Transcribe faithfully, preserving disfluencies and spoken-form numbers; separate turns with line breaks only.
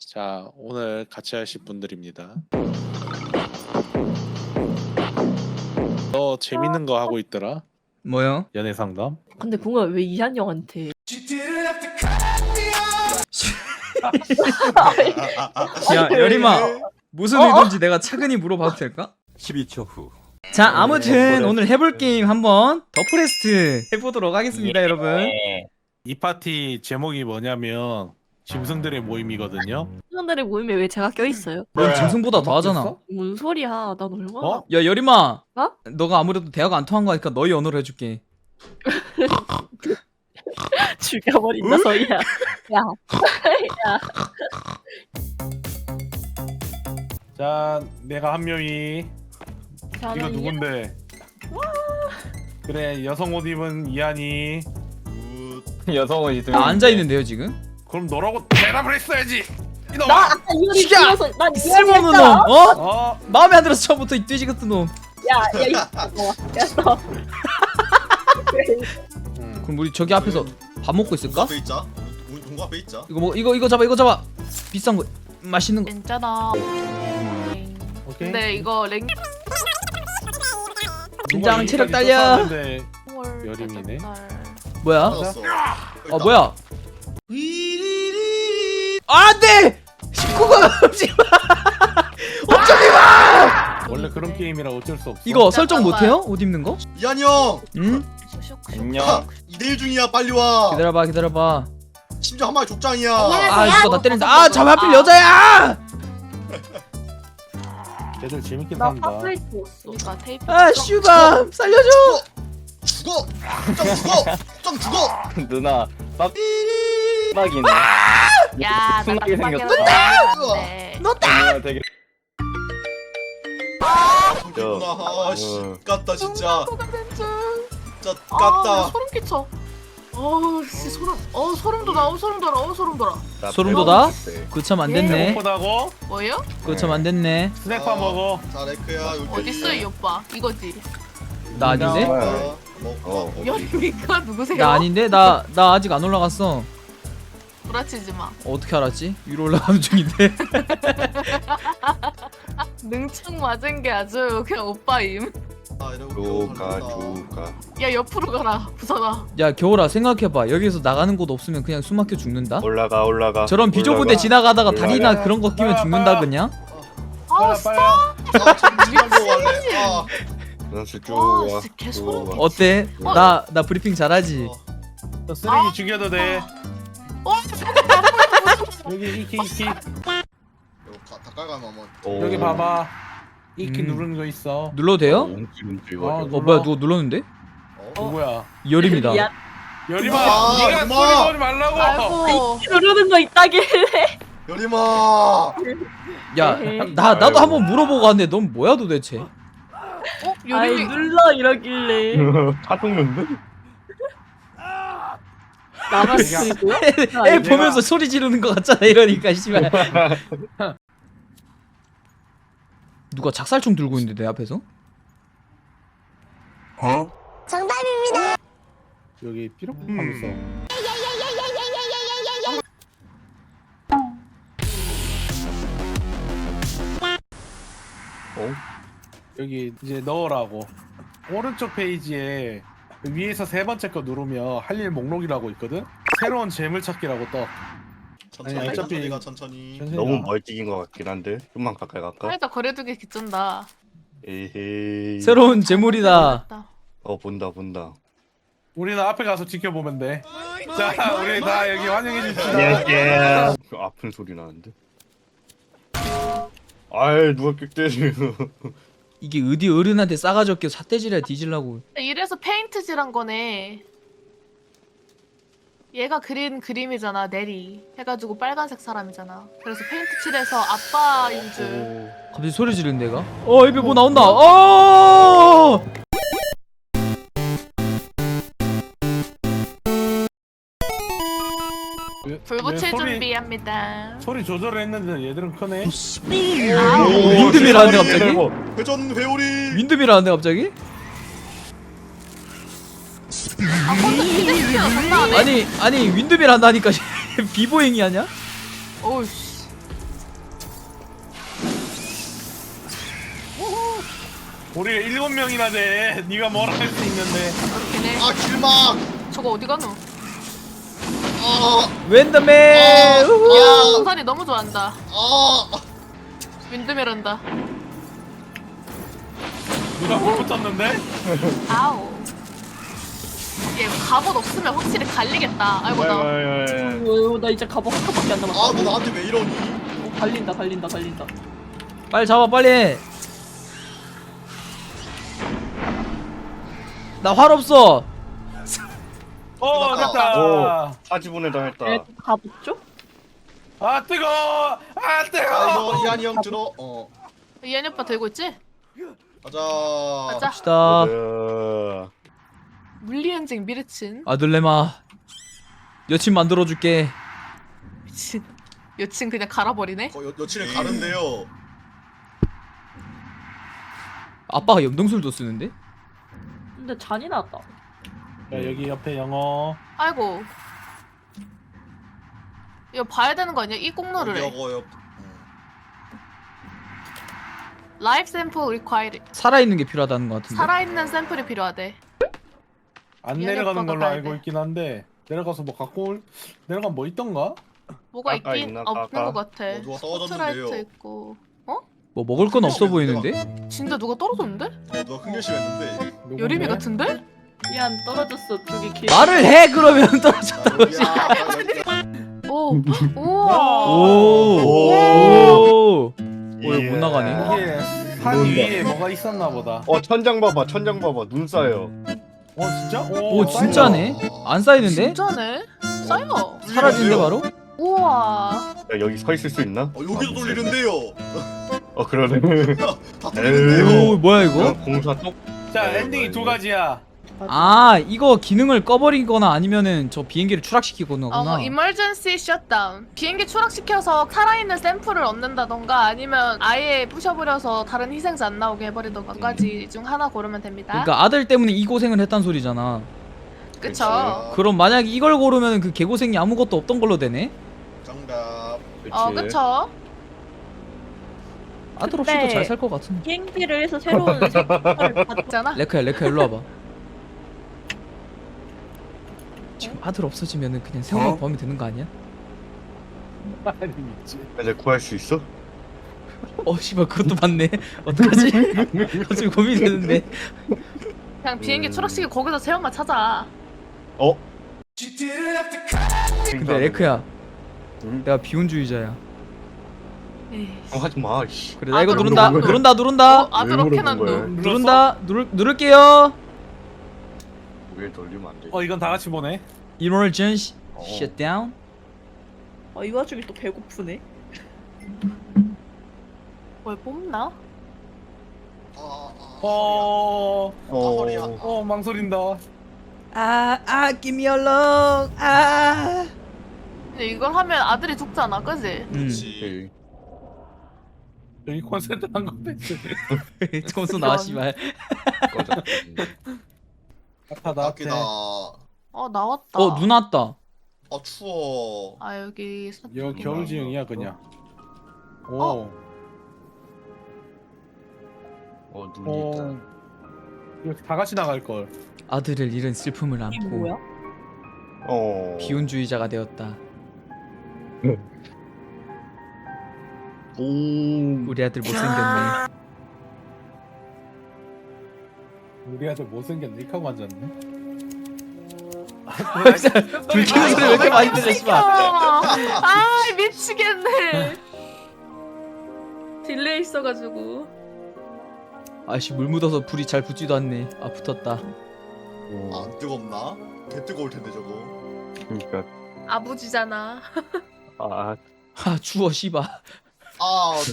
자, 오늘 같이 하실 분들입니다. 너 재밌는 거 하고 있더라?
뭐요?
연애 상담?
근데 궁금해 왜 이한 형한테?
야 여림아 무슨
어?
의도인지 내가 차근히 물어봐도 될까?
십이 초 후.
자 아무튼 오늘 해볼 게임 한번 더 프레스트 해보도록 하겠습니다 여러분.
이 파티 제목이 뭐냐면 짐승들의 모임이거든요.
사람들의 모임에 왜 제가 껴있어요?
넌 짐승보다 더 하잖아.
바뀌었어?
뭔 소리야? 난 얼마나?
어?
야 여림아
어?
너가 아무래도 대화가 안 통한 거니까 너희 언어로 해줄게.
죽여버린다 소리야. 야, 야.
자, 내가 한 명이 이거
저는
누군데? 그래, 여성 옷 입은 이한이.
여성은 있으면
나 앉아있는데요 지금?
그럼 너라고 대답을 했어야지.
나
이놈아.
아까 이효리
진짜!
불러서 난
쓸모없는 놈!
이야기했잖아.
어?
어?
마음에 안 들어서 처음부터 이 돼지 같은 놈.
야, 야, 이 야, 너.
음.
그럼 우리 저기 앞에서 밥 먹고 있을까?
앞에 있자. 우리 동거 앞에 있자.
이거 뭐 이거 이거 잡아 이거 잡아. 비싼 거 맛있는 거.
괜찮아.
오케이.
근데 이거 랭
긴장 체력
여기까지
딸려.
쫓았는데 여림이네.
뭐야?
찾았어.
아 뭐야? 안돼! 십구가 넘지 마. 어쩌지 마.
원래 그런 게임이라 어쩔 수 없어.
이거 설정 못해요? 옷 입는 거?
이한이 형.
응?
안녕.
이 대 일 중이야. 빨리 와.
기다려봐 기다려봐.
심지어 한 마리 족장이야.
아 이거 나 때린다. 아 잠 하필 여자야.
걔들 재밌게
나
산다.
파프레이트 왔어.
그러니까 테이프.
아 슈밤 살려줘.
죽어. 짱 죽어. 짱 죽어.
누나 빡 빡이네.
야, 나
순하게
빡빡이라서
생겼다.
안 돼.
누나 되게
누나 아씨
어.
깠다 진짜. 진짜
아, 나
깠다.
소름 끼쳐. 어우, 씨 소름. 어, 소름 돋아. 어, 소름 돋아. 어, 소름 돋아.
소름 돋아? 그거 참 안 됐네.
배고프다고?
뭐예요?
그거 참 안 됐네.
스낵파 먹어.
자 레크야. 여기
어딨어, 이 오빠? 이거지.
나 아닌데?
어, 먹고
어.
먹고.
여기가 누구세요?
나 아닌데? 나 나 아직 안 올라갔어.
구라치지 마.
어떻게 알았지? 위로 올라가는 중인데.
능청 맞은 게 아주 그냥 오빠임.
아, 이러고
조가
살린다.
조가.
야, 옆으로 가라. 부서나.
야 겨울아 생각해봐. 여기서 나가는 곳 없으면 그냥 숨 막혀 죽는다.
올라가 올라가.
저런 비좁은데
올라가.
지나가다가
올라가.
다리나 그런 거 끼면 죽는다 그냥.
아,
빨리
진짜.
빨리.
아, 잠시만 갈래. 아.
누나 쭉
와,
와.
진짜 개 소름 끼쳐.
어때?
어.
나 나 브리핑 잘하지.
어.
너 쓰레기 죽여도 돼.
어,
여기 이키 이키.
이거 가- 닭갈가면 한번.
오.
여기 봐봐. 이키
음.
누르는 거 있어.
눌러도 돼요?
움찔 움찔
어,
거려.
어
눌러.
뭐야 누가 눌렀는데?
어?
누구야?
이열입니다.
야,
여림아,
아,
네가
여림아.
소리 넣지 말라고.
아이고.
누르는 거 있다길래.
여림아.
야 나 나도 한번 물어보고 왔는데 넌 뭐야 도대체?
어?
아이
요림이
눌러 이러길래.
카톡는데?
나만 쓰고.
애 보면서 소리 지르는 거 같잖아 이러니까 씨발. 누가 작살총 들고 있는데 내 앞에서?
여기 삐록 하면서.
어?
여기 이제 넣으라고. 오른쪽 페이지에 위에서 세 번째 거 누르면 할 일 목록이라고 있거든. 새로운 재물 찾기라고 떠.
천천히
아니, 어차피-
천천히 가 천천히.
천천히
너무
가.
멀찍인 것 같긴 한데 좀만 가까이 갈까?
살짝 거려두기 기쩐다.
에헤이.
새로운 재물이다.
어 본다 본다.
우리는 앞에 가서 지켜보면 돼. 자, 우리 다 여기 환영해 줍시다.
안녕하세요. 그 아픈 소리 나는데. 아이 누가 끽대지.
이게 어디 어른한테 싸가지 없게 삿대질이야 뒤질라고.
이래서 페인트질한 거네. 얘가 그린 그림이잖아, 네리. 해가지고 빨간색 사람이잖아. 그래서 페인트 칠해서 아빠인 줄.
갑자기 소리 지르는 데가? 어 입에 뭐 나온다. 어!
불 붙일
소리-
준비합니다.
소리 조절했는데 얘들은 크네.
아우.
윈드밀하는데 갑자기?
회전 회오리.
윈드밀하는데 갑자기?
아, 혼자 기대시켜. 장난 안 해.
아니 아니 윈드밀 한다니까 비보잉이 아냐?
어우씨.
우리가 일곱 명이나 돼. 네가 뭐라 할 수 있는데.
그렇긴 해.
아 길막.
저거 어디 가노?
아.
웬더맨. 우후.
야, 우산이 너무 좋아한다.
아.
윈드밀한다.
누가 뭘 붙었는데?
아우. 얘 갑옷 없으면 확실히 갈리겠다. 아이고 나.
어, 나 이제 갑옷 하나밖에 안 남았어.
아 너 나한테 왜 이러니?
어, 갈린다 갈린다 갈린다.
빨리 잡아 빨리. 나 활 없어.
어 됐다.
오 사지분해다 했다.
에 갑옷 줘?
아 뜨거. 아
아
뜨거.
이거 이한이 형 들어. 어.
이한이 오빠 들고 있지?
가자.
가자.
갑시다.
어,
물리엔징 미르친.
아들레마. 여친 만들어줄게.
미친. 여친 그냥 갈아버리네.
어, 여, 여친을 가는데요.
아빠가 염동술도 쓰는데?
근데 잔인하다.
야 여기 옆에 영어.
아이고. 이거 봐야 되는 거 아니야? 이 공로를 해.
여거 여.
라이프 샘플 required.
살아있는 게 필요하다는 것 같은데.
살아있는 샘플이 필요하대.
안
미안해,
내려가는
오빠가
걸로
가야
알고
돼.
있긴 한데 내려가서 뭐 갖고 올 내려가면 뭐 있던가?
뭐가
아까
있긴
있나,
없는
아까?
것 같아.
어, 누가
스포트라이트
떨어졌는데요.
있고.
뭐 먹을 건 없어 보이는데?
진짜 누가 떨어졌는데?
어 누가 큰 결심했는데.
누군데?
여림이 같은데?
미안 떨어졌어 저기 길.
말을 해 그러면 떨어졌다고.
야.
오. 우와.
오. 오. 오.
예.
못 나가네.
이게 산
뭔가.
위에 뭐가 있었나 보다.
어 천장 봐봐 천장 봐봐 눈 쌓여.
어 진짜?
오 진짜네. 안 쌓이는데?
진짜네? 쌓여.
사라진대 바로?
우와.
야 여기 서 있을 수 있나?
어 여기도 돌리는데요.
어 그러네.
다
오
돌리는데요.
뭐야 이거?
이거 공사 똑.
자
네,
엔딩이
네,
두
네.
가지야.
아 이거 기능을 꺼버리거나 아니면은 저 비행기를 추락시키거나
어,
구나.
emergency shutdown. 비행기 추락시켜서 살아있는 샘플을 얻는다던가 아니면 아예 부셔버려서 다른 희생자 안 나오게 해버리던가 두 가지 중 하나 고르면 됩니다.
그러니까 아들 때문에 이 고생을 했단 소리잖아.
그쵸?
그럼 만약에 이걸 고르면 그 개고생이 아무것도 없던 걸로 되네?
정답.
어 그쵸?
아들
근데-
없이도 잘 살 것 같은데.
비행기를 해서 새로운 색깔을 받.
있잖아.
레카야 레카 일로 와봐. 지금 아들 없어지면은 그냥 세월만
어?
구하면 되는 거 아니야?
아니 미치.
이제 구할 수 있어?
어 씨발 그것도 맞네. 어떡하지? 갑자기 고민이 되는데.
그냥 비행기
음.
추락시키고 거기서 세엄마 찾아.
어?
근데 레크야
응?
내가 비혼주의자야.
에이.
어, 하지 마. 씨.
그래 나 이거
아들
누른다
없는
누른다
어,
누른다
아들
왜
어케
물어본 거야?
난도.
누른다 누를 누를게요.
왜 돌리면 안 돼?
어 이건 다 같이 보네.
Emergency
어.
shutdown.
어, 이 와중에 또 배고프네.
뭘 뽑나?
아, 아,
어.
아, 허리야.
어 망설인다.
아아 give me along. 아.
근데 이걸 하면 아들이 죽잖아, 그지?
음.
그렇지.
여기 콘센트 한 건데.
점수 나와 씨발.
꺼져.
아파 나한테.
밖이다.
어 나왔다.
어 눈 왔다.
아 추워.
아 여기
이거 겨울지형이야 그냥. 오.
어?
어 눈이
어.
있다.
이거 다 같이 나갈 걸.
아들을 잃은 슬픔을
이게
안고
뭐야?
어.
비혼주의자가 되었다.
오.
우리 아들 못생겼네.
우리 아들 못생겼네. 이렇게 하고 앉았네.
불 켜는 소리 왜 이렇게 많이 들려 씨발.
아 미치겠네. 딜레이 있어가지고.
아씨 물 묻어서 불이 잘 붙지도 않네. 아 붙었다.
아, 안 뜨겁나? 개 뜨거울 텐데 저거.
그러니까
아버지잖아.
아
아 추워 씨발.
아